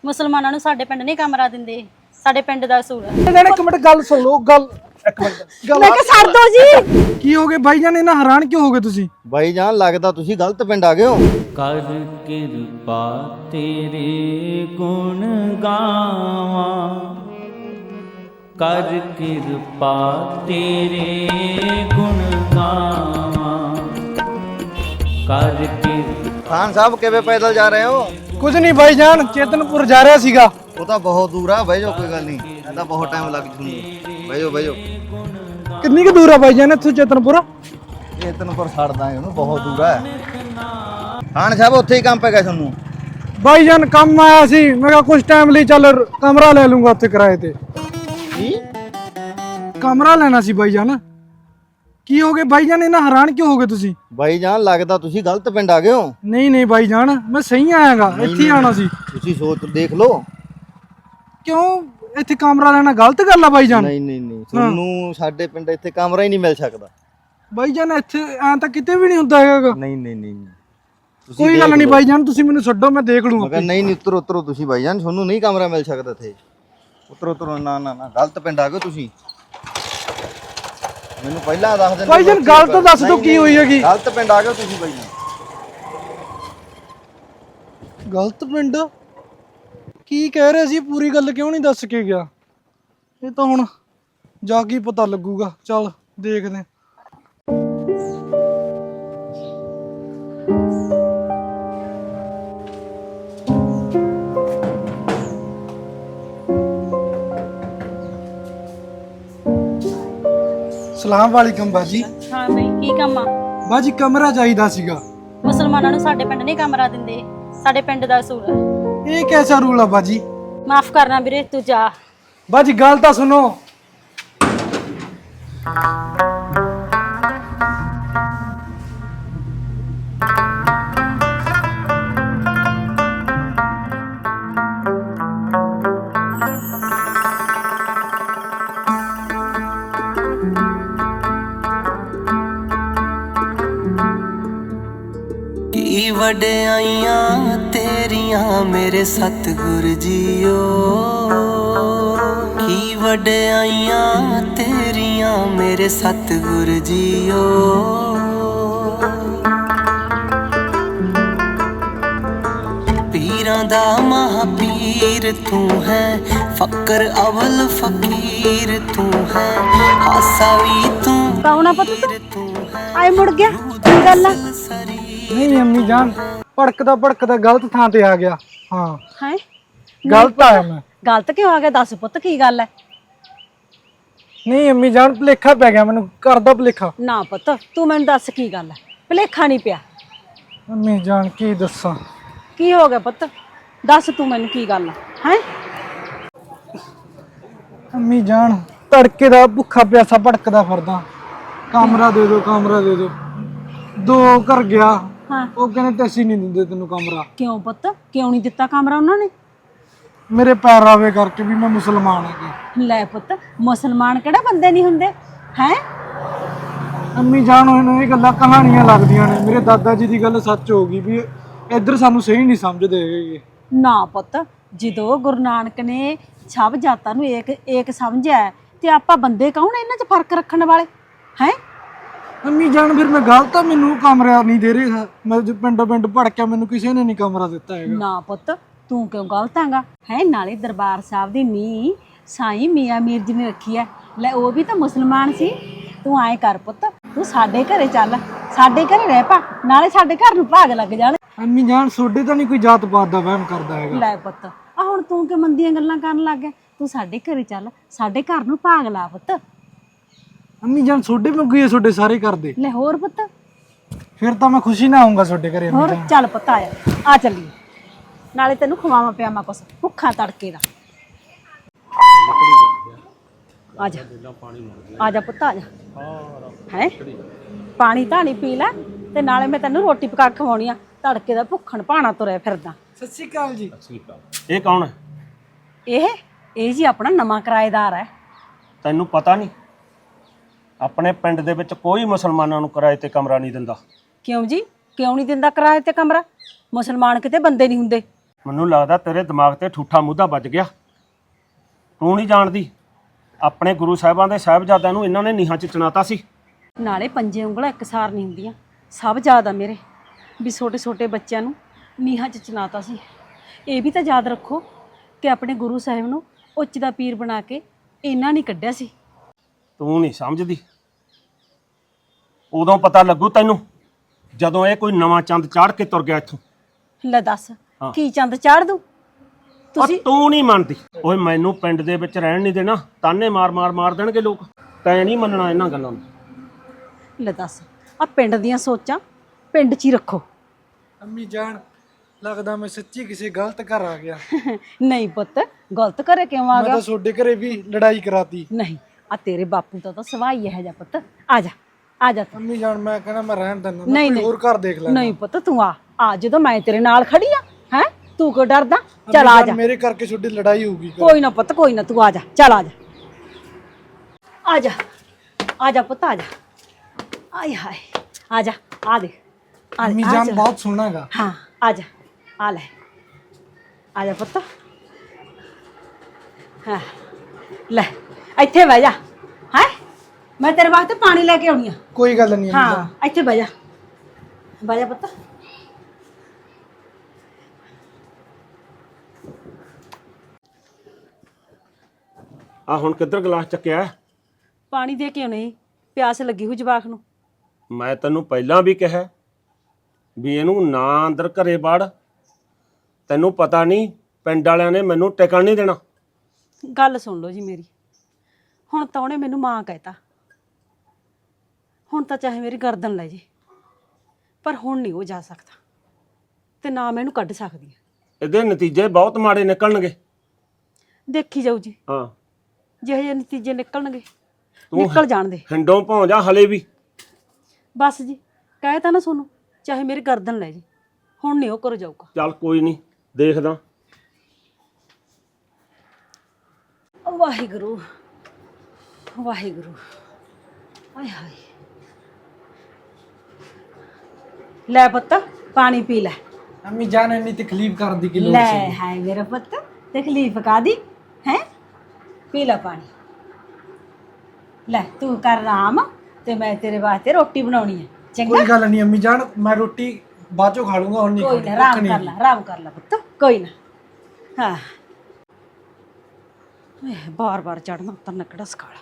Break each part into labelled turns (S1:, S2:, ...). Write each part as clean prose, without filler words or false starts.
S1: ਮੁਸਲਮਾਨਾਂ ਨੂੰ ਸਾਡੇ ਪਿੰਡ ਨਹੀਂ ਕਮਰਾ ਦਿੰਦੇ। ਸਾਡੇ ਪਿੰਡ ਦਾ ਅਸੂਲ ਹੈ।
S2: ਇੱਕ ਮਿੰਟ ਗੱਲ ਸੁਣ ਲਓ। ਗੱਲ ਇੱਕ ਮਿੰਟ
S1: ਮੈਂ ਕਿਹਾ ਛੱਡ ਦੋ ਜੀ।
S2: ਕੀ ਹੋ ਗਏ ਭਾਈਜਾਨ? ਇਹਨਾਂ ਹੈਰਾਨ ਕਿਉਂ ਹੋ ਗਏ ਤੁਸੀਂ?
S3: ਭਾਈਜਾਨ ਲੱਗਦਾ ਤੁਸੀਂ ਗਲਤ ਪਿੰਡ ਆ ਗਏ ਹੋ।
S4: ਕਰ ਕਿਰਪਾ ਤੇਰੇ ਗੁਣ ਗਾਵਾਂ, ਕਰ ਕਿਰਪਾ ਤੇਰੇ ਗੁਣ ਗਾਵਾਂ, ਕਰ ਕਿਰਪਾ।
S3: ਖਾਨ ਸਾਹਿਬ ਕਿਵੇਂ ਪੈਦਲ ਜਾ ਰਹੇ ਹੋ?
S2: ਕੁਝ ਨਹੀਂ ਭਾਈਜਾਨ, ਚੇਤਨਪੁਰ ਜਾ ਰਿਹਾ ਸੀਗਾ।
S3: ਉਹ ਤਾਂ ਬਹੁਤ ਦੂਰ ਆ, ਬਹਿ ਜਾਓ, ਕੋਈ ਗੱਲ ਨਹੀਂ, ਇਹਦਾ ਬਹੁਤ ਟਾਈਮ ਲੱਗ ਜੂਗਾ। ਬਹਿ ਜਾਓ ਬਹਿ ਜਾਓ।
S2: ਕਿੰਨੀ ਕੁ ਦੂਰ ਆ ਭਾਈਜਾਨ ਇੱਥੋਂ ਚੇਤਨਪੁਰ?
S3: ਚੇਤਨਪੁਰ ਛੱਡ ਦਾਂਗੇ ਉਹਨੂੰ, ਬਹੁਤ ਦੂਰ ਆ। ਖਾਨ ਸਾਹਿਬ ਉੱਥੇ ਹੀ ਕੰਮ ਪੈ ਗਿਆ ਤੁਹਾਨੂੰ?
S2: ਭਾਈਜਾਨ ਕੰਮ ਆਇਆ ਸੀ, ਮੈਂ ਕਿਹਾ ਕੁਝ ਟਾਈਮ ਲਈ ਚੱਲ ਕਮਰਾ ਲੈ ਲੂੰਗਾ ਉੱਥੇ ਕਿਰਾਏ ਤੇ।
S3: ਕੀ
S2: ਕਮਰਾ ਲੈਣਾ ਸੀ ਭਾਈਜਾਨ। ਕੀ ਹੋ ਗਏ ਭਾਈਜਾਨ? ਇਹਨਾਂ ਹੈਰਾਨ ਕਿਉਂ ਹੋ ਗਏ ਤੁਸੀਂ?
S3: ਭਾਈਜਾਨ ਲੱਗਦਾ ਤੁਸੀਂ ਗਲਤ ਪਿੰਡ ਆ ਗਏ ਹੋ।
S2: ਨਹੀਂ ਭਾਈਜਾਨ, ਮੈਂ ਸਹੀ ਆਇਆਗਾ, ਇੱਥੇ ਹੀ ਆਣਾ ਸੀ।
S3: ਤੁਸੀਂ ਸੋਚ ਦੇਖ ਲਓ।
S2: ਕਿਉਂ ਇੱਥੇ ਕਮਰਾ ਲੈਣਾ ਗਲਤ ਗੱਲ ਆ ਭਾਈਜਾਨ?
S3: ਨਹੀਂ ਤੁਹਾਨੂੰ ਸਾਡੇ ਪਿੰਡ ਇੱਥੇ ਕਮਰਾ ਹੀ ਨਹੀਂ ਮਿਲ ਸਕਦਾ।
S2: ਭਾਈਜਾਨ ਇੱਥੇ ਐਂ ਤਾਂ ਕਿਤੇ ਵੀ ਨਹੀਂ ਹੁੰਦਾ ਹੈਗਾ।
S3: ਨਹੀਂ
S2: ਕੋਈ ਗੱਲ ਨਹੀਂ ਭਾਈਜਾਨ, ਤੁਸੀਂ ਮੈਨੂੰ ਛੱਡੋ, ਮੈਂ ਦੇਖ ਲੂੰਗਾ।
S3: ਮਗਰ ਨਹੀਂ ਉਤਰੋ ਤੁਸੀਂ ਭਾਈਜਾਨ, ਤੁਹਾਨੂੰ ਨਹੀਂ ਕਮਰਾ ਮਿਲ ਸਕਦਾ ਇੱਥੇ। ਉਤਰੋ ਨਾ ਗਲਤ ਪਿੰਡ ਆ ਗਏ ਤੁਸੀਂ। ਮੈਨੂੰ ਪਹਿਲਾਂ ਦੱਸ ਦਿੰਦੇ
S2: ਭਾਈਜਾਨ। ਗੱਲ ਤਾਂ ਦੱਸ ਦਿਓ ਕੀ ਹੋਈ ਹੈਗੀ।
S3: ਗਲਤ ਪਿੰਡ ਆ ਗਏ ਤੁਸੀਂ ਭਾਈਜਾਨ।
S2: ਗਲਤ ਪਿੰਡ? ਕੀ ਕਹਿ ਰਹੇ ਸੀ? ਪੂਰੀ ਗੱਲ ਕਿਉਂ ਨਹੀਂ ਦੱਸ ਕੇ ਗਿਆ? ਇਹ ਤਾਂ ਹੁਣ ਜਾ ਕੇ ਪਤਾ ਲੱਗੂਗਾ। ਚੱਲ ਦੇਖਦੇ। ਸਲਾਮ ਵਾਲੇਕਮ ਬਾਜੀ।
S1: ਹਾਂ ਬਈ, ਕੀ ਕੰਮ ਆ?
S2: ਬਾਜੀ ਕਮਰਾ ਚਾਹੀਦਾ ਸੀਗਾ।
S1: ਮੁਸਲਮਾਨਾਂ ਨੂੰ ਸਾਡੇ ਪਿੰਡ ਨਹੀਂ ਕਮਰਾ ਦਿੰਦੇ। ਸਾਡੇ ਪਿੰਡ ਦਾ ਅਸੂਲ ਹੈ।
S2: ਇਹ ਕਿਹੜਾ ਰੂਲ ਆ ਬਾਜੀ?
S1: ਮਾਫ ਕਰਨਾ ਵੀਰੇ, ਤੂੰ ਜਾ।
S2: ਬਾਜੀ ਗੱਲ ਤਾਂ ਸੁਣੋ।
S5: ਕੀ ਵਡਿਆਈਆਂ ਤੇਰੀਆਂ ਮੇਰੇ ਸਤਿਗੁਰ ਜੀਓ, ਕੀ ਵਡਿਆਈਆਂ ਤੇਰੀਆਂ ਮੇਰੇ ਸਤਿਗੁਰ ਜੀਓ। ਪੀਰਾਂ ਦਾ ਮਹਾਪੀਰ ਤੂੰ ਹੈ, ਫਕਰ ਅਵਲ ਫਕੀਰ ਤੂੰ ਹੈ, ਹਾਸਾ ਵੀ ਤੂੰ
S1: ਕੌਣਾ ਪਤਾ
S5: ਤੂੰ ਹੈ।
S1: ਆਏ ਮੁੜ ਗਿਆ, ਕੀ ਗੱਲ ਆ?
S2: ਨਹੀਂ ਅੰਮੀ ਜਾਨ, ਭੜਕਦਾ ਗਲਤ ਥਾਂ ਤੇ ਆ ਗਿਆ। ਹਾਂ
S1: ਹੈ
S2: ਗਲਤ ਆਇਆ ਮੈਂ।
S1: ਗਲਤ ਕਿਉਂ ਆ ਗਿਆ? ਦੱਸ ਪੁੱਤ, ਕੀ ਗੱਲ ਹੈ?
S2: ਨਹੀਂ ਅੰਮੀ ਜਾਨ, ਭੁਲੇਖਾ ਪੈ ਗਿਆ ਮੈਨੂੰ, ਘਰ ਦਾ ਭੁਲੇਖਾ।
S1: ਨਾ ਪੁੱਤ, ਤੂੰ ਮੈਨੂੰ ਦੱਸ ਕੀ ਗੱਲ ਹੈ। ਭੁਲੇਖਾ ਨਹੀਂ ਪਿਆ।
S2: ਅੰਮੀ ਜਾਨ ਕੀ ਦੱਸਾਂ?
S1: ਕੀ ਹੋ ਗਿਆ ਪੁੱਤ? ਦੱਸ ਤੂੰ ਮੈਨੂੰ ਕੀ ਗੱਲ ਹੈ।
S2: ਅੰਮੀ ਜਾਨ, ਤੜਕੇ ਦਾ ਭੁੱਖਾ ਪਿਆਸਾ ਭੜਕਦਾ ਫਿਰਦਾ। ਕਮਰਾ ਦੇ ਦਿਓ, ਕਮਰਾ ਦੇ ਦਿਓ। ਦੋ ਘਰ ਗਿਆ,
S1: ਹਾਂ।
S2: ਉਹ ਕਹਿੰਦੇ ਅਸੀਂ ਨਹੀਂ ਦਿੰਦੇ ਤੈਨੂੰ ਕਮਰਾ।
S1: ਕਿਉਂ ਪੁੱਤ, ਕਿਉਂ ਨਹੀਂ ਦਿੱਤਾ ਕਮਰਾ ਉਹਨਾਂ ਨੇ?
S2: ਮੇਰੇ ਪੈਰ ਆਵੇ ਕਰਕੇ ਵੀ ਮੈਂ ਮੁਸਲਮਾਨ ਹਾਂ।
S1: ਲੈ ਪੁੱਤ, ਮੁਸਲਮਾਨ ਕਿਹੜਾ ਬੰਦੇ ਨਹੀਂ ਹੁੰਦੇ ਹੈ?
S2: ਅੰਮੀ ਜਾਨ, ਉਹਨੂੰ ਇਹ ਗੱਲਾਂ ਕਹਾਣੀਆਂ ਲੱਗਦੀਆਂ ਨੇ। ਮੇਰੇ ਦਾਦਾ ਜੀ ਦੀ ਗੱਲ ਸੱਚ ਹੋ ਗਈ ਵੀ ਇੱਧਰ ਸਾਨੂੰ ਸਹੀ ਨਹੀਂ ਸਮਝਦੇ ਹੈਗੇ।
S1: ਨਾ ਪੁੱਤ, ਜਦੋਂ ਗੁਰੂ ਨਾਨਕ ਨੇ ਸਭ ਜਾਤਾਂ ਨੂੰ ਏਕ ਸਮਝਿਆ, ਤੇ ਆਪਾਂ ਬੰਦੇ ਕੌਣ ਇਹਨਾਂ 'ਚ ਫਰਕ ਰੱਖਣ ਵਾਲੇ ਹੈ?
S2: ਅੰਮੀ ਜਾਨ, ਫਿਰ ਮੈਂ ਗਲਤ ਆ? ਮੈਨੂੰ ਕਮਰਾ ਨਹੀਂ ਦੇ ਰਿਹਾ। ਮੈਂ ਪਿੰਡ ਭੜਕਿਆ, ਮੈਨੂੰ ਕਿਸੇ ਨੇ ਨਹੀਂ ਕਮਰਾ ਦਿੱਤਾ ਹੈਗਾ।
S1: ਨਾ ਪੁੱਤ, ਤੂੰ ਕਿਉਂ ਗਲਤ ਹੈਗਾ ਹੈ? ਨਾਲੇ ਦਰਬਾਰ ਸਾਹਿਬ ਦੀ ਨੀਂਹ ਸਾਈਂ ਮੀਆਂ ਮੀਰ ਜੀ ਨੇ ਰੱਖੀ ਹੈ। ਲੈ, ਉਹ ਵੀ ਤਾਂ ਮੁਸਲਮਾਨ ਸੀ। ਤੂੰ ਐਂ ਕਰ ਪੁੱਤ, ਤੂੰ ਸਾਡੇ ਘਰੇ ਚੱਲ, ਸਾਡੇ ਘਰੇ ਰਹਿ ਪਾ, ਨਾਲੇ ਸਾਡੇ ਘਰ ਨੂੰ ਭਾਗ ਲੱਗ ਜਾਣ।
S2: ਅੰਮੀ ਜਾਨ, ਸੋਡੇ ਤਾਂ ਨਹੀਂ ਕੋਈ ਜਾਤ ਪਾਤ ਦਾ ਵਹਿਮ ਕਰਦਾ ਹੈਗਾ।
S1: ਲੈ ਪੁੱਤ, ਆ ਹੁਣ ਤੂੰ ਕਿ ਮੰਦੀਆਂ ਗੱਲਾਂ ਕਰਨ ਲੱਗ ਗਿਆ? ਤੂੰ ਸਾਡੇ ਘਰੇ ਚੱਲ, ਸਾਡੇ ਘਰ ਨੂੰ ਭਾਗ ਲਾ ਪੁੱਤ।
S2: ਅੰਮੀ ਜਾਨ, ਸੋਡੇ ਮੰਗੀ ਹੈ, ਸੋਡੇ ਸਾਰੇ ਕਰਦੇ।
S1: ਲੈ ਹੋਰ ਪੁੱਤ,
S2: ਫਿਰ ਤਾਂ ਮੈਂ ਖੁਸ਼ੀ ਨਾ ਆਉਂਗਾ ਸੋਡੇ ਘਰੇ।
S1: ਹੋਰ ਚੱਲ ਪੁੱਤ, ਆ ਚੱਲੀਏ, ਨਾਲੇ ਤੈਨੂੰ ਖਵਾਵਾਂ ਪਿਆਵਾਂ ਕੁਛ ਭੁੱਖਾ ਤੜਕੇ ਦਾ। ਆ ਜਾ ਆ ਜਾ ਪੁੱਤ, ਆ ਜਾ। ਹੈ ਪਾਣੀ ਧਾਣੀ ਪੀ ਲੈ, ਤੇ ਨਾਲੇ ਮੈਂ ਤੈਨੂੰ ਰੋਟੀ ਪਕਾ ਕੇ ਖਵਾਉਣੀ ਆ। ਤੜਕੇ ਦਾ ਭੁੱਖਣ ਭਾਣਾ ਤੁਰਿਆ ਫਿਰਦਾ।
S2: ਸਤਿ ਸ਼੍ਰੀ ਅਕਾਲ ਜੀ।
S6: ਇਹ ਕੌਣ ਹੈ?
S1: ਇਹ ਜੀ ਆਪਣਾ ਨਵਾਂ ਕਿਰਾਏਦਾਰ ਹੈ।
S6: ਤੈਨੂੰ ਪਤਾ ਨਹੀਂ ਆਪਣੇ ਪਿੰਡ ਦੇ ਵਿੱਚ ਕੋਈ ਮੁਸਲਮਾਨਾਂ ਨੂੰ ਕਿਰਾਏ ਤੇ ਕਮਰਾ ਨਹੀਂ ਦਿੰਦਾ।
S1: ਕਿਉਂ ਜੀ, ਕਿਉਂ ਨਹੀਂ ਦਿੰਦਾ ਕਿਰਾਏ ਤੇ ਕਮਰਾ? ਮੁਸਲਮਾਨ ਕਿਤੇ ਬੰਦੇ ਨਹੀਂ ਹੁੰਦੇ।
S6: ਮੈਨੂੰ ਲੱਗਦਾ ਤੇਰੇ ਦਿਮਾਗ ਤੇ ਠੂਠਾ ਮੁੱਦਾ ਵੱਜ ਗਿਆ। ਤੂੰ ਨਹੀਂ ਜਾਣਦੀ ਆਪਣੇ ਗੁਰੂ ਸਾਹਿਬਾਂ ਦੇ ਸਾਹਿਬਜ਼ਾਦਿਆਂ ਨੂੰ ਇਹਨਾਂ ਨੇ ਨੀਹਾਂ 'ਚ ਚਿਣਾਤਾ ਸੀ।
S1: ਨਾਲੇ ਪੰਜੇ ਉਂਗਲਾਂ ਇੱਕਸਾਰ ਨਹੀਂ ਹੁੰਦੀਆਂ, ਸਭ ਯਾਦ ਆ ਮੇਰੇ ਵੀ ਛੋਟੇ ਛੋਟੇ ਬੱਚਿਆਂ ਨੂੰ ਨੀਹਾਂ 'ਚ ਚਿਣਾਤਾ ਸੀ। ਇਹ ਵੀ ਤਾਂ ਯਾਦ ਰੱਖੋ ਕਿ ਆਪਣੇ ਗੁਰੂ ਸਾਹਿਬ ਨੂੰ ਉੱਚ ਦਾ ਪੀਰ ਬਣਾ ਕੇ ਇਹਨਾਂ ਨਹੀਂ ਕੱਢਿਆ ਸੀ।
S6: ਤੂੰ ਨਹੀਂ ਸਮਝਦੀ, ਉਦੋਂ ਪਤਾ ਲੱਗੂ ਤੈਨੂੰ ਜਦੋਂ ਇਹ ਕੋਈ ਨਵਾਂ ਚੰਦ ਚਾੜ ਕੇ ਤੁਰ ਗਿਆ ਇੱਥੋਂ।
S1: ਲੈ ਦੱਸ
S6: ਹਾਂ।
S1: ਕੀ ਚੰਦ ਚਾੜ ਦੂ
S6: ਤੁਸੀਂ ਤੂੰ ਨਹੀਂ ਮੰਨਦੀ। ਓਏ ਮੈਨੂੰ ਪਿੰਡ ਦੇ ਵਿੱਚ ਰਹਿਣ ਨਹੀਂ ਦੇਣਾ, ਤਾਨੇ ਮਾਰ ਦੇਣਗੇ ਲੋਕ। ਤੈਂ ਨਹੀਂ ਮੰਨਣਾ ਇਹਨਾਂ ਗੱਲਾਂ ਨੂੰ।
S1: ਲੈ ਦੱਸ ਆ ਪਿੰਡ ਦੀਆਂ ਸੋਚਾਂ ਪਿੰਡ 'ਚ ਹੀ ਰੱਖੋ।
S2: ਅੰਮੀ ਜਾਨ ਲੱਗਦਾ ਮੈਂ ਸੱਚੀ ਕਿਸੇ ਗਲਤ ਘਰ ਆ ਗਿਆ।
S1: ਨਹੀਂ ਪੁੱਤ, ਗਲਤ ਘਰੇ ਕਿਉਂ ਆ
S2: ਮੈਂ
S1: ਗਿਆ?
S2: ਤਾਂ ਤੁਹਾਡੇ ਘਰੇ ਵੀ ਲੜਾਈ ਕਰਾਤੀ।
S1: ਨਹੀਂ, ਆ ਤੇਰੇ ਬਾਪੂ ਦਾ ਤਾਂ ਸਵਾਈ ਇਹ ਜਾ ਪੁੱਤ। ਆ ਜਾ ਆ ਜਾ ਤੂੰ।
S2: ਅੰਮੀ ਜਾਨ ਮੈਂ ਕਹਿੰਦਾ ਮੈਂ ਰਹਿਣ ਦਿੰਦਾ,
S1: ਨਹੀਂ,
S2: ਮੈਂ ਕੋਈ
S1: ਨਹੀਂ।
S2: ਹੋਰ ਘਰ ਦੇਖ ਲੈਂਦਾ।
S1: ਨਹੀਂ ਪੁੱਤ ਤੂੰ ਆ ਜਦੋਂ ਮੈਂ ਤੇਰੇ ਨਾਲ ਖੜੀ ਆ। ਹੈ ਤੂੰ ਕਿਉਂ ਡਰਦਾ? ਚੱਲ ਆ ਜਾ।
S2: ਮੇਰੇ ਕਰਕੇ ਤੁਹਾਡੀ ਲੜਾਈ ਹੋਊਗੀ।
S1: ਕੋਈ ਨਾ ਪੁੱਤ, ਕੋਈ ਨਾ, ਤੂੰ ਆ ਜਾ। ਚੱਲ ਆ ਜਾ ਆ ਜਾ ਆ ਜਾ ਪੁੱਤ, ਆ ਜਾ। ਆਏ ਹਾਏ, ਆ ਜਾ। ਆ ਦੇ
S2: ਅੰਮੀ ਜਾਨ ਬਹੁਤ ਸੋਹਣਾਗਾ।
S1: ਹਾਂ, ਆ ਜਾ। ਆ ਲੈ, ਆ ਜਾ ਪੁੱਤ। ਹਾਂ ਲੈ, ਇੱਥੇ ਬਹਿ ਜਾ। ਹੈ ਮੈਂ ਤੇਰੇ ਵਾਸਤੇ ਪਾਣੀ ਲੈ ਕੇ ਆਉਣੀ ਆ।
S2: ਕੋਈ ਗੱਲ ਨਹੀਂ ਅੰਮੀ ਜਾਨ।
S1: ਹਾਂ, ਇੱਥੇ ਬਹਿ ਜਾ ਪੁੱਤ।
S6: ਆ ਹੁਣ ਕਿੱਧਰ ਗਲਾਸ ਚੱਕਿਆ?
S1: ਪਾਣੀ ਦੇ ਕੇ ਨਹੀਂ, ਪਿਆਸ ਲੱਗੀ ਹੋਈ ਜਵਾਕ ਨੂੰ।
S6: ਮੈਂ ਤੈਨੂੰ ਪਹਿਲਾਂ ਵੀ ਕਿਹਾ ਵੀ ਇਹਨੂੰ ਨਾ ਅੰਦਰ ਘਰੇ ਵੜ। ਤੈਨੂੰ ਪਤਾ ਨਹੀਂ ਪਿੰਡ ਵਾਲਿਆਂ ਨੇ ਮੈਨੂੰ ਟਿਕਣ ਨਹੀਂ ਦੇਣਾ।
S1: ਗੱਲ ਸੁਣ ਲਓ ਜੀ ਮੇਰੀ। ਹੁਣ ਤਾਂ ਉਹਨੇ ਮੈਨੂੰ ਮਾਂ ਕਹਿਤਾ, ਹੁਣ ਤਾਂ ਚਾਹੇ ਮੇਰੀ ਗਰਦਨ ਲੈ ਜੇ, ਪਰ ਹੁਣ ਨਹੀਂ ਉਹ ਜਾ ਸਕਦਾ ਤੇ ਨਾ ਮੈਂ ਇਹਨੂੰ ਕੱਢ ਸਕਦੀ।
S6: ਇਹਦੇ ਨਤੀਜੇ ਬਹੁਤ ਮਾੜੇ ਨਿਕਲਣਗੇ।
S1: ਦੇਖੀ ਜਾਊ ਜੀ,
S6: ਹਾਂ,
S1: ਜਿਹੇ ਜਿਹੇ ਨਤੀਜੇ ਨਿਕਲਣਗੇ
S6: ਤੂੰ
S1: ਨਿਕਲ ਜਾਣ ਦੇ।
S6: ਹਿੰਡੋਂ ਭੌਂ ਜਾ ਹਲੇ ਵੀ।
S1: ਬਸ ਜੀ, ਕਹਿ ਤਾ ਨਾ ਸੋਨੂੰ, ਚਾਹੇ ਮੇਰੀ ਗਰਦਨ ਲੈ ਜੇ, ਹੁਣ ਨਹੀਂ ਉਹ ਕਰ ਜਾਊਗਾ।
S6: ਚੱਲ ਕੋਈ ਨਹੀਂ, ਦੇਖਦਾ।
S1: ਵਾਹਿਗੁਰੂ ਵਾਹਿਗੁਰੂ। ਆਏ ਹਾਏ, ਲੈ ਪੁੱਤ ਪਾਣੀ ਪੀ ਲੈ।
S2: ਅੰਮੀ ਜਾਨ ਇੰਨੀ ਤਕਲੀਫ ਕਰਨ ਦੀ ਕੀ ਲੋੜ
S1: ਲੈ
S2: ਸੀ?
S1: ਹਾਏ ਮੇਰਾ ਪੁੱਤ, ਤਕਲੀਫ ਕਾਦੀ ਹੈ? ਪੀ ਲੈ ਪਾਣੀ। ਲੈ ਤੂੰ ਕਰ ਆਰਾਮ ਤੇ ਮੈਂ ਤੇਰੇ ਵਾਸਤੇ ਰੋਟੀ ਬਣਾਉਣੀ ਹੈ। ਚੰਗਾ,
S2: ਕੋਈ ਗੱਲ ਨਹੀਂ ਅੰਮੀ ਜਾਨ, ਮੈਂ ਰੋਟੀ ਬਾਅਦ ਚੋਂ ਖਾ ਲੂੰਗਾ, ਹੁਣ ਨਹੀਂ
S1: ਕੋਈ ਨਾ, ਆਰਾਮ ਕਰ ਲੈ ਪੁੱਤ, ਕੋਈ ਨਾ। ਹਾਂ, ਬਾਰ ਚੜਨਾ ਉਤਰਨਾ ਕਿਹੜਾ ਸਕਾਲਾ।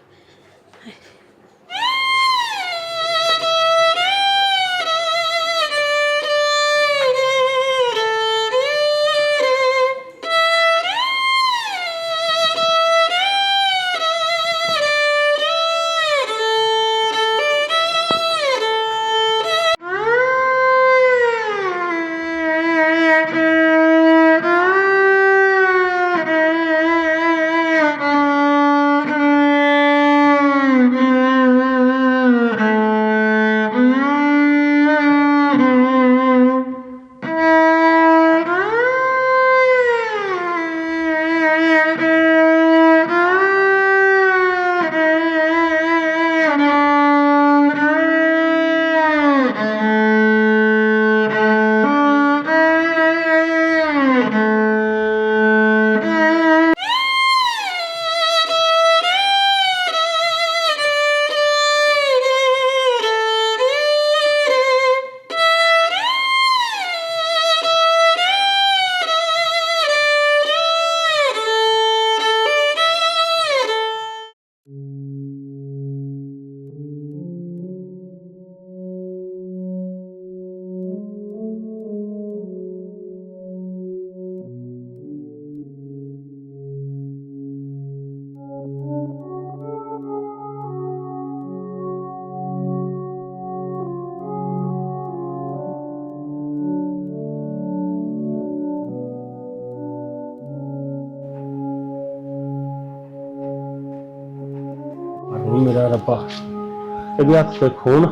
S6: ਮੇਰਾ ਰੱਬਾ, ਇਹਦੇ ਹੱਥ ਤੇ ਖੂਨ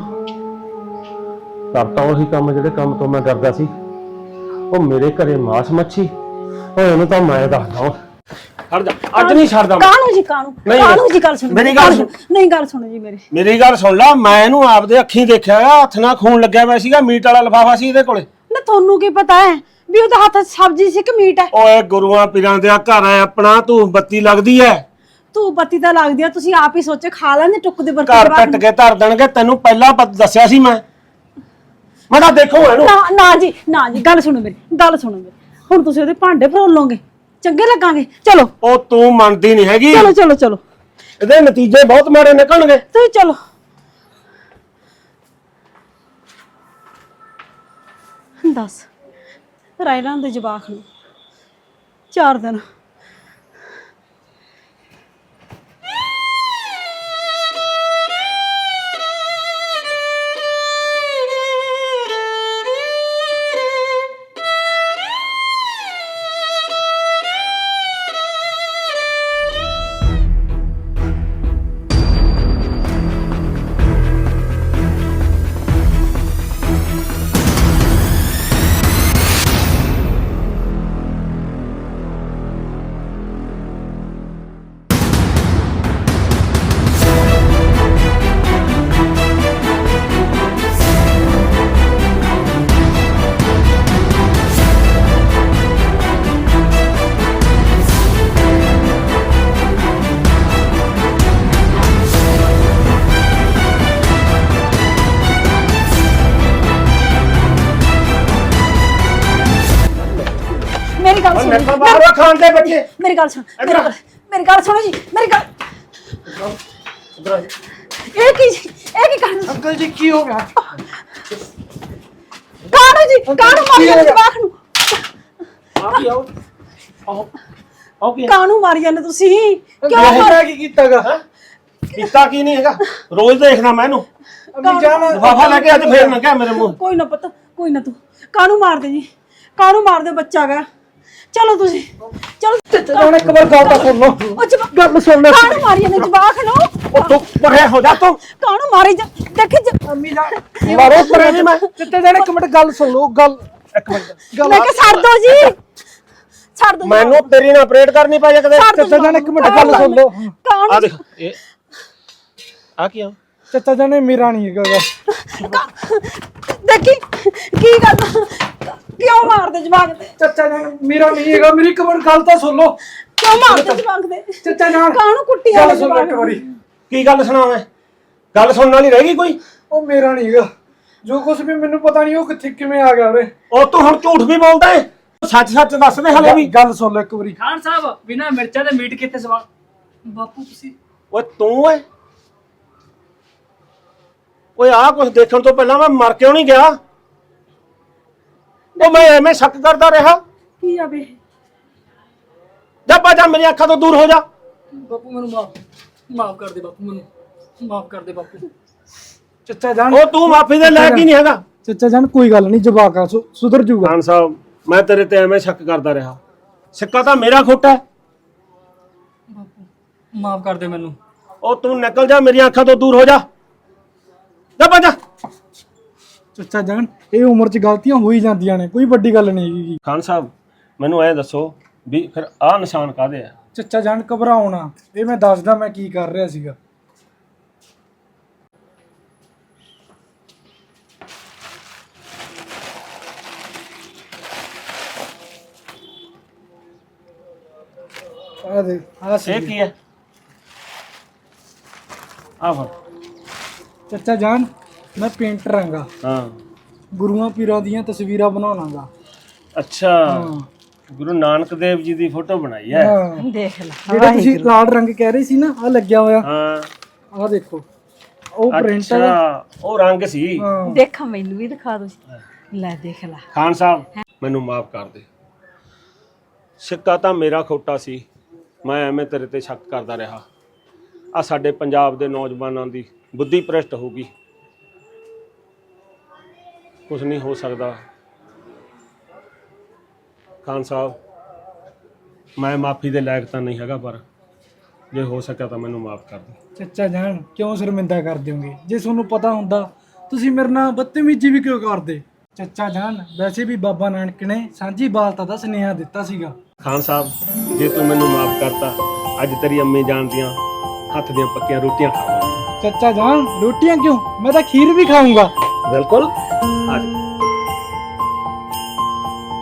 S6: ਕਰਤਾ। ਉਹੀ ਕੰਮ ਜਿਹੜੇ ਕੰਮ ਤੋਂ ਮੈਂ ਕਰਦਾ ਸੀ। ਉਹ ਮੇਰੇ ਘਰੇ ਮਾਸ ਮੱਛੀ, ਉਹ ਇਹਨੂੰ ਤਾਂ ਮੈਂ ਦੱਸਦਾ। ਛੱਡ ਜਾ, ਅੱਜ ਨਹੀਂ ਛੱਡਦਾ।
S1: ਕਾਹਨੂੰ ਜੀ, ਕਾਹਨੂੰ ਜੀ? ਗੱਲ ਸੁਣ
S6: ਮੇਰੀ ਗੱਲ ਸੁਣ।
S1: ਨਹੀਂ, ਗੱਲ ਸੁਣੋ ਜੀ
S6: ਮੇਰੀ ਗੱਲ ਸੁਣ ਲਾ। ਮੈਂ ਇਹਨੂੰ ਆਪਦੇ ਅੱਖੀਂ ਦੇਖਿਆ, ਹੱਥ ਨਾਲ ਖੂਨ ਲੱਗਿਆ ਹੋਇਆ ਸੀਗਾ, ਮੀਟ ਵਾਲਾ ਲਿਫਾਫਾ ਸੀ ਇਹਦੇ ਕੋਲੇ।
S1: ਨਾ ਤੁਹਾਨੂੰ ਕੀ ਪਤਾ ਹੈ ਵੀ ਉਹਦੇ ਹੱਥ 'ਚ ਸਬਜ਼ੀ ਸੀ ਕਿ ਮੀਟ ਹੈ?
S6: ਓਏ ਗੁਰੂਆਂ ਪੀਰਾਂ ਦਾ ਘਰ ਹੈ ਆਪਣਾ, ਤੂੰ ਬੱਤੀ ਲੱਗਦੀ ਐ।
S1: ਤੂੰ ਬੱਤੀ ਤਾਂ ਲੱਗਦੀ ਆ, ਤੁਸੀਂ ਆਪ ਹੀ ਸੋਚੇ ਖਾ ਲੈਂਦੇ ਟੁੱਕ ਦੇ ਬਰਕਤ
S6: ਘਰ ਕੱਟ ਕੇ ਧਰ ਦੇਣਗੇ, ਤੈਨੂੰ ਪਹਿਲਾਂ ਦੱਸਿਆ ਸੀ ਮੈਂ ਤਾਂ ਦੇਖੋ ਇਹਨੂੰ।
S1: ਨਾ ਨਾ ਜੀ, ਨਾ ਜੀ, ਗੱਲ ਸੁਣੋ ਮੇਰੀ, ਗੱਲ ਸੁਣੋ ਮੇਰੀ। ਹੁਣ ਤੁਸੀਂ ਉਹਦੇ ਭਾਂਡੇ ਫਰੋਲੋਗੇ, ਚੰਗੇ ਲੱਗਾਂਗੇ? ਚਲੋ
S6: ਉਹ ਤੂੰ ਮੰਨਦੀ ਨਹੀਂ ਹੈਗੀ,
S1: ਚਲੋ ਚਲੋ ਚਲੋ,
S6: ਇਹਦੇ ਨਤੀਜੇ ਬਹੁਤ ਮਾੜੇ ਨਿਕਲਣਗੇ।
S1: ਤੁਸੀਂ ਚਲੋ। ਦੱਸ ਰਾਇਲਾਂ ਦੇ ਜਵਾਕ ਨੂੰ 4 ਦਿਨ ਮੇਰੀ ਗੱਲ ਸੁਣੋ ਜੀ,
S6: ਬਾਹਰ ਖਾਣ ਦੇ ਬੱਚੇ।
S1: ਮੇਰੀ ਗੱਲ ਸੁਣ, ਮੇਰੀ ਗੱਲ ਸੁਣੋ ਜੀ, ਮੇਰੀ ਗੱਲ। ਇਹ ਕੀ ਕਰਨ?
S2: ਅੰਕਲ ਜੀ ਕੀ ਹੋ ਗਿਆ?
S1: ਕਾਹਨੂੰ ਜੀ, ਕਾਹਨੂੰ ਮਾਰੀ ਜਾਂਦੇ ਜਵਾਕ ਨੂੰ? ਕਾਹਨੂੰ ਮਾਰੀ ਜਾਂਦੇ ਤੁਸੀਂ? ਕਿਉਂ
S2: ਮੈਂ ਕੀ ਕੀਤਾਗਾ?
S6: ਕੀਤਾ ਕੀ ਨਹੀਂ ਹੈਗਾ, ਰੋਜ਼ ਦੇਖਦਾ ਮੈਂ ਇਹਨੂੰ।
S2: ਅੰਮੀ ਜਾਨ
S6: ਲਿਫਾਫਾ ਲੈ ਕੇ ਅੱਜ ਫੇਰ ਨਾ ਕਹਿ ਮੇਰੇ ਮੂੰਹ।
S1: ਕੋਈ ਨਾ ਪੁੱਤ, ਕੋਈ ਨਾ, ਤੂੰ ਕਾਹਨੂੰ ਮਾਰਦੇ ਜੀ? ਕਾਹਨੂੰ ਮਾਰਦੇ? ਬੱਚਾ ਗਾ। ਚਲੋ ਤੁਸੀਂ, ਚਲੋ
S2: ਹੁਣ ਇੱਕ ਵਾਰ ਗੱਲ ਤਾਂ ਸੁਣ ਲਓ। ਗੱਲ ਸੁਣ ਲੈ।
S1: ਕਾਹਨੂੰ ਮਾਰੀ ਜਾਂਦੇ ਜਵਾਕ ਨੂੰ?
S6: ਉਹ ਤੂੰ ਪਰੇ ਹੋ ਜਾ ਤੂੰ।
S1: ਕਾਹਨੂੰ ਮਾਰੀ ਜਾ? ਦੇਖੀ
S2: ਅੰਮੀ ਜਾਨ ਮਾਰੋ ਪਰੇ ਜੀ। ਮੈਂ ਚਿੱਟੇ ਜਾਨ ਇੱਕ ਮਿੰਟ ਗੱਲ ਸੁਣ ਲਓ। ਗੱਲ ਇੱਕ ਮਿੰਟ
S1: ਮੈਂ ਕਿਹਾ ਛੱਡ ਦੋ ਜੀ, ਛੱਡ ਦੋ।
S6: ਮੈਨੂੰ ਤੇਰੀ ਨਾਲ ਆਪਰੇਟ ਕਰਨੀ ਪੈ ਜਾ ਕਦੇ।
S2: ਚਿੱਟੇ ਜਾਨ ਇੱਕ ਮਿੰਟ ਗੱਲ ਸੁਣ ਲਓ।
S1: ਕਾਹਨੂੰ
S6: ਆ ਦੇਖ ਇਹ ਆ ਕੀ ਆ?
S2: ਚਿੱਟੇ ਜਾਨ ਮੇਰਾ ਨਹੀਂ ਹੈਗਾ।
S1: ਦੇਖੀ ਕੀ ਗੱਲ, ਕਿਉਂ ਮਾਰਦੇ ਜਵਾਕ ਤੇ?
S2: ਚਿੱਟੇ ਜਾਨ ਮੇਰਾ ਨਹੀਂ ਹੈਗਾ। ਮੇਰੀ ਇੱਕ ਮਿੰਟ ਗੱਲ ਤਾਂ ਸੁਣ ਲਓ।
S1: ਕਿਉਂ ਮਾਰਦੇ ਜਵਾਕ ਤੇ?
S2: ਚਿੱਟੇ ਜਾਨ
S1: ਕਾਹਨੂੰ ਕੁੱਟੀ
S2: ਗੱਲ
S1: ਜਾਂਦੇ
S2: ਸੁਣ ਲਓ
S1: ਜਵਾਕ
S2: ਇੱਕ ਵਾਰੀ।
S6: ਕੀ ਗੱਲ ਸੁਣਾਵੇਂ? ਗੱਲ ਸੁਣਨ ਵਾਲੀ ਰਹਿ ਗਈ ਕੋਈ?
S2: ਉਹ ਮੇਰਾ ਨਹੀਂ ਹੈਗਾ। ਜੋ ਕੁਝ ਵੀ ਮੈਨੂੰ ਪਤਾ ਨਹੀਂ ਉਹ ਕਿੱਥੇ ਕਿਵੇਂ ਆ ਗਿਆ ਉਰੇ।
S6: ਉਹ ਤੂੰ ਹੁਣ ਝੂਠ ਵੀ ਬੋਲਦਾ ਏ, ਸੱਚ ਸੱਚ ਦੱਸ ਦੇ ਹਲੇ ਵੀ।
S2: ਗੱਲ ਸੁਣ ਲਓ ਇੱਕ ਵਾਰੀ।
S7: ਖਾਨ ਸਾਹਿਬ ਬਿਨਾ ਮਿਰਚਾਂ ਦੇ ਮੀਟ ਕਿੱਥੇ ਸਵਾ? ਬਾਪੂ ਤੁਸੀਂ
S6: ਓਏ ਤੂੰ ਓਏ, ਓਏ ਆਹ ਕੁਝ ਦੇਖਣ ਤੋਂ ਪਹਿਲਾਂ ਮੈਂ ਮਰ ਕਿਉਂ ਨਹੀਂ ਗਿਆ? ਉਹ ਮੈਂ ਐਵੇਂ ਸ਼ੱਕ ਕਰਦਾ ਰਿਹਾ।
S1: ਕੀ ਆ ਬੇ?
S6: ਜਾ ਬਾਜਾ ਮੇਰੀ ਅੱਖਾਂ ਤੋਂ ਦੂਰ ਹੋ ਜਾ।
S7: ਬਾਪੂ ਮੈਨੂੰ ਮਾਫ ਕਰ ਦੇ ਬਾਪੂ, ਮੈਨੂੰ ਮਾਫ ਕਰ ਦੇ ਬਾਪੂ।
S2: ਚਿੱਟੇ ਜਾਨ
S6: ਉਹ ਤੂੰ ਮਾਫੀ ਦੇ ਲਾਇਕ ਹੀ ਨਹੀਂ ਹੈਗਾ।
S2: ਚਿੱਟੇ ਜਾਨ ਕੋਈ ਗੱਲ ਨਹੀਂ, ਜਵਾਕ ਆ ਸੁਧਰ ਜੂਗਾ।
S6: ਖਾਨ ਸਾਹਿਬ ਮੈਂ ਤੇਰੇ ਤੇ ਐਵੇਂ ਸ਼ੱਕ ਕਰਦਾ ਰਿਹਾ, ਸਿੱਕਾ ਤਾਂ ਮੇਰਾ ਖੋਟਾ ਹੈ।
S7: ਬਾਪੂ ਮਾਫ ਕਰ ਦੇ ਮੈਨੂੰ।
S6: ਉਹ ਤੂੰ ਨਿਕਲ ਜਾ, ਮੇਰੀਆਂ ਅੱਖਾਂ ਤੋਂ ਦੂਰ ਹੋ ਜਾ। ਜਾ ਬਾਜਾ।
S2: ਚਿੱਟੇ ਜਾਨ ਇਹ ਉਮਰ 'ਚ ਗਲਤੀਆਂ ਹੋ ਹੀ ਜਾਂਦੀਆਂ ਨੇ, ਕੋਈ ਵੱਡੀ ਗੱਲ ਨਹੀਂ ਹੈਗੀ।
S6: ਖਾਨ ਸਾਹਿਬ ਮੈਨੂੰ ਐ ਦੱਸੋ ਵੀ ਫਿਰ ਆਹ ਨਿਸ਼ਾਨ ਕਾਹਦੇ ਆ?
S2: ਚਿੱਟੇ ਜਾਨ ਘਬਰਾਉਣਾ, ਇਹ ਮੈਂ ਦੱਸਦਾ ਮੈਂ ਕੀ ਕਰ ਰਿਹਾ ਸੀਗਾ। ਆ ਦੇ ਆ ਸੀ
S6: ਇਹ ਕੀ ਹੈ? ਆ ਫੜ।
S2: ਚਿੱਟੇ ਜਾਨ ਮੈਂ ਪੇਂਟਰ ਆਂਗਾ,
S6: ਹਾਂ
S2: ਗੁਰੂਆਂ ਪੀਰਾਂ ਦੀਆਂ ਤਸਵੀਰਾਂ ਬਣਾਉਣਾਗਾ।
S6: ਅੱਛਾ, ਗੁਰੂ ਨਾਨਕ ਦੇਵ ਜੀ ਦੀ ਫੋਟੋ ਬਣਾਈ ਹੈ।
S2: ਹਾਂ
S1: ਦੇਖ ਲੈ,
S2: ਜਿਹੜਾ ਤੁਸੀਂ ਲਾਲ ਰੰਗ ਕਹਿ ਰਹੇ ਸੀ ਨਾ, ਆ ਲੱਗਿਆ ਹੋਇਆ।
S6: ਹਾਂ
S2: ਆ ਦੇਖੋ ਉਹ ਪ੍ਰਿੰਟ ਹੈ।
S6: ਅੱਛਾ ਉਹ ਰੰਗ ਸੀ।
S2: ਹਾਂ
S1: ਦੇਖਾਂ ਮੈਨੂੰ ਵੀ ਦਿਖਾ ਦੋ। ਲੈ ਦੇਖ ਲੈ।
S6: ਖਾਨ ਸਾਹਿਬ ਮੈਨੂੰ ਮਾਫ ਕਰ ਦੇ, ਸਿੱਕਾ ਤਾਂ ਮੇਰਾ ਖੋਟਾ ਸੀ, ਮੈਂ ਐਵੇਂ ਤੇਰੇ ਤੇ ਸ਼ੱਕ ਕਰਦਾ ਰਿਹਾ। ਆ ਸਾਡੇ ਪੰਜਾਬ ਦੇ ਨੌਜਵਾਨਾਂ ਦੀ ਬੁੱਧੀ ਭ੍ਰਿਸ਼ਟ ਹੋ ਗਈ, ਕੁਝ ਨਹੀਂ ਹੋ ਸਕਦਾ। ਖਾਨ ਸਾਹਿਬ ਮੈਂ ਮਾਫੀ ਦੇ ਲਾਇਕ ਤਾਂ ਨਹੀਂ ਹੈਗਾ, ਪਰ ਜੇ ਹੋ ਸਕਿਆ ਤਾਂ ਮੈਨੂੰ ਮਾਫ ਕਰ ਦੇ।
S2: ਚੱਚਾ ਜਾਨ ਕਿਉਂ ਸ਼ਰਮਿੰਦਾ ਕਰ ਦਿਓਗੇ? ਜੇ ਤੁਹਾਨੂੰ ਪਤਾ ਹੁੰਦਾ ਤੁਸੀਂ ਮੇਰੇ ਨਾਲ ਬਦਤਮੀਜ਼ੀ ਵੀ ਕਿਉਂ ਕਰਦੇ? ਚੱਚਾ ਜਾਨ ਵੈਸੇ ਵੀ ਬਾਬਾ ਨਾਨਕ ਨੇ ਸਾਂਝੀ ਬਾਲਤਾ ਦਾ ਸੁਨੇਹਾ ਦਿੱਤਾ ਸੀਗਾ।
S6: ਖਾਨ ਸਾਹਿਬ ਜੇ ਤੂੰ ਮੈਨੂੰ ਮਾਫ ਕਰਤਾ, ਅੱਜ ਤੇਰੀ ਅੰਮੀ ਜਾਨ ਦੀਆਂ ਹੱਥ ਦੀਆਂ ਪੱਕੀਆਂ ਰੋਟੀਆਂ ਖਾਵਾਂਗਾ।
S2: ਚੱਚਾ ਜਾਨ ਰੋਟੀਆਂ ਕਿਉਂ, ਮੈਂ ਤਾਂ ਖੀਰ ਵੀ ਖਾਊਂਗਾ।
S6: ਬਿਲਕੁਲ।